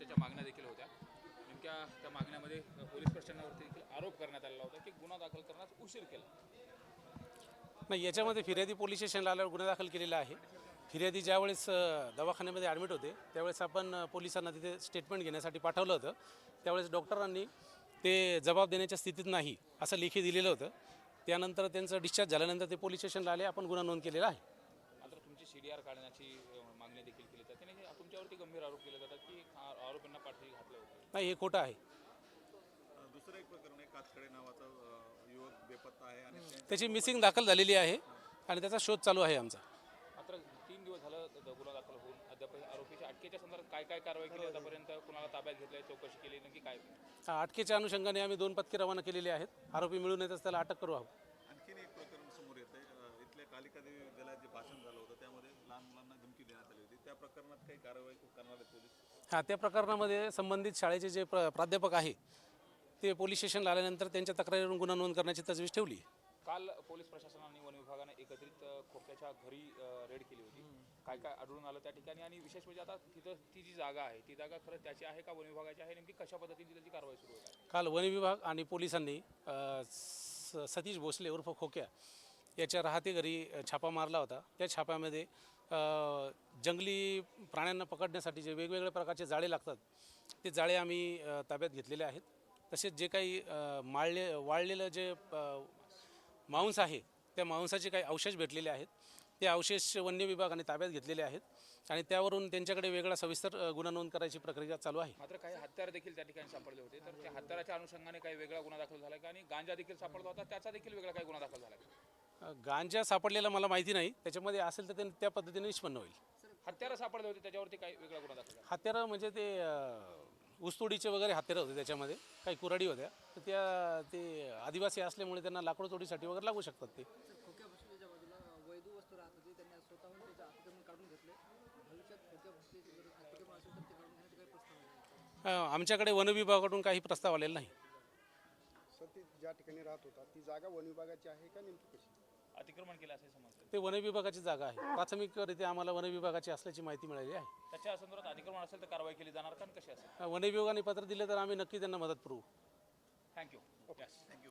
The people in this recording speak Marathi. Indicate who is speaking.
Speaker 1: महत्त्वाच्या मागण्या देखील होत्या. नेमक्या त्या मागण्यामध्ये पोलीस प्रशासनावरती देखील आरोप करण्यात आलेला होता की गुन्हा दाखल करण्यात उशीर केला.
Speaker 2: नाही, याच्यामध्ये फिर्यादी पोलीस स्टेशनला आल्यावर गुन्हा दाखल केलेला आहे. फिर्यादी ज्यावेळेस दवाखान्यामध्ये ॲडमिट होते त्यावेळेस आपण पोलिसांना तिथे स्टेटमेंट घेण्यासाठी पाठवलं होतं. त्यावेळेस डॉक्टरांनी ते जबाब देण्याच्या स्थितीत नाही असं लेखी दिलेलं होतं. त्यानंतर त्यांचं डिस्चार्ज झाल्यानंतर ते पोलीस स्टेशनला आले, आपण गुन्हा नोंद केलेला आहे.
Speaker 1: मात्र तुमची CDR काढण्याची मागणी देखील केली जाते आणि तुमच्यावरती गंभीर आरोप केले जातात की आरोपींना पाठवी घातलं होतं.
Speaker 2: नाही, हे खोटं आहे.
Speaker 3: दुसरं एक प्रकरण आहे, कातकडे नावाचा युवक बेपत्ता आहे आणि
Speaker 2: त्याची मिसिंग दाखल झालेली आहे आणि त्याचा शोध चालू आहे आमचा.
Speaker 1: मात्र 3 दिवस झालं गुन्हा दाखल होऊन अद्याप आरोपीच्या अटकेच्या संदर्भात काय काय कारवाई केली आतापर्यंत, कुणाला ताब्यात घेतलंय, चौकशी केली, नक्की काय?
Speaker 2: अटकेच्या अनुषंगाने आम्ही 2 पथके रवाना केलेले आहेत. आरोपी मिळून येतच त्याला अटक करू आहोत.
Speaker 3: आणखीन एक प्रकरण समोर येत आहे. इथल्या कालिका देवी विद्यालयात जे भाषण झालं होतं त्यामध्ये लहान मुलांना धमकी देण्यात आली होती. त्या प्रकरणात काही कारवाई करणार आहेत पोलीस?
Speaker 2: त्या प्रकरणामध्ये संबंधित शाळेचे जे प्राध्यापक आहे ते पोलीस स्टेशनला आल्यानंतर त्यांच्या तक्रारीवरून गुन्हा नोंद करण्याची तजवीज ठेवली.
Speaker 1: काल पोलीस प्रशासनाने वन विभागाने एकत्रित खोक्याच्या घरी रेड केली होती. काय काय आढळून आलं त्या ठिकाणी आणि विशेष म्हणजे आता तिथं ती जी जागा आहे ती जागा खरं त्याची आहे का वन विभागाची आहे, नेमकी कशा पद्धतीने त्याची कारवाई सुरू होत आहे?
Speaker 2: काल वन विभाग आणि पोलिसांनी सतीश भोसले उर्फ खोक्या याच्या राहते घरी छापा मारला होता. त्या छाप्यामध्ये जंगली प्राण्यांना पकडण्यासाठी जे वेगवेगळ्या प्रकारचे जाळे लागतात ते जाळे आम्ही ताब्यात घेतलेले आहेत. तसेच जे काही वाळलेलं जे मांस आहे त्या मांसाचे काही अवशेष भेटलेले आहेत. ते अवशेष वन्य विभागाने ताब्यात घेतलेले आहेत आणि त्यावरून त्यांच्याकडे वेगळा सविस्तर गुन्हा नोंद करायची प्रक्रिया चालू आहे.
Speaker 1: मात्र काही हत्यार देखील त्या ठिकाणी सापडले होते, तर त्या हत्याराच्या अनुषंगाने काही वेगळा गुन्हा दाखल झाला का आणि गांजा देखील सापडला होता, त्याचा देखील वेगळा काही गुन्हा दाखल झाला का?
Speaker 2: गांजा सापडलेला मला माहिती नाही, त्याच्यामध्ये असेल तर ते त्या पद्धतीने निष्पन्न होईल.
Speaker 1: हत्यारं सापडले होते त्याच्यावरती काही वेगळा गुन्हा दाखल झाला?
Speaker 2: हत्यारं म्हणजे ते ऊसतोडीचे वगैरे हत्यारं होते, त्याच्यामध्ये काही कुऱ्हाडी होत्या, तर त्या ते आदिवासी असल्यामुळे त्यांना लाकूड तोडीसाठी वगैरे लागू शकतात. ते
Speaker 4: खोक्या भोसलेच्या बाजूला वैध वस्तू राहत होती, त्यांनी स्वतःहून त्याचं अतिक्रमण काढून घेतले. भविष्यात खोक्या भोसलेची जर अतिक्रमण असेल तर ते काढून घेण्याचे काही प्रस्ताव आहे?
Speaker 2: आमच्याकडे वन विभागाकडून काही प्रस्ताव आलेला नाही.
Speaker 5: सर, ती ज्या ठिकाणी राहत होता ती जागा वन विभागाची आहे का नेमकी कशी?
Speaker 1: अतिक्रमण केलं असे समजतं.
Speaker 2: ते वन विभागाची जागा आहे. प्राथमिकरित्या आम्हाला वन विभागाची असल्याची माहिती मिळाली आहे.
Speaker 1: त्याच्या संदर्भात अतिक्रमण असेल तर कारवाई केली जाणार का आणि कशी असेल?
Speaker 2: वन विभागाने पत्र दिले तर आम्ही नक्की त्यांना मदत करू.
Speaker 1: थँक्यू. Yes, thank you.